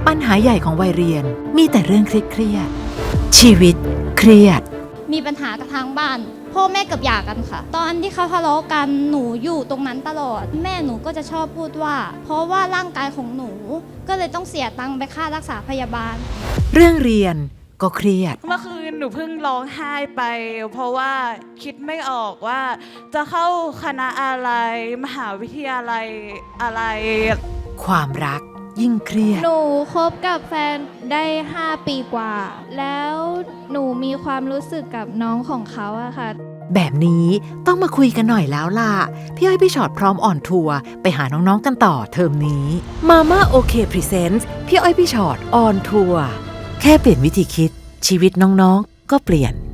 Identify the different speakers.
Speaker 1: ปัญหาใหญ่ของวัยเรียนมีแต่เรื่องเครียดๆชีวิตเครียด
Speaker 2: มีปัญหากับทางบ้านพ่อแม่เกือบหย่ากันค่ะตอนที่เขาทะเลาะกันหนูอยู่ตรงนั้นตลอดแม่หนูก็จะชอบพูดว่าเพราะว่าร่างกายของหนูก็เลยต้องเสียตังค์ไปค่ารักษาพยาบาล
Speaker 1: เรื่องเรียนก็เครียด
Speaker 3: เมื่อคืนหนูเพิ่งร้องไห้ไปเพราะว่าคิดไม่ออกว่าจะเข้าคณะอะไรมหาวิทยาลัยอะไร
Speaker 1: ความรักยิ่งเครียด
Speaker 4: หนูคบกับแฟนได้5 ปีกว่าแล้วหนูมีความรู้สึกกับน้องของเขาอะค่ะ
Speaker 1: แบบนี้ต้องมาคุยกันหน่อยแล้วล่ะพี่อ้อยพี่ชอตพร้อมอ่อนทัวร์ไปหาน้องๆกันต่อเทอมนี้ Mama OK Presents พี่อ้อยพี่ชอตออนทัวร์แค่เปลี่ยนวิธีคิดชีวิตน้องๆก็เปลี่ยน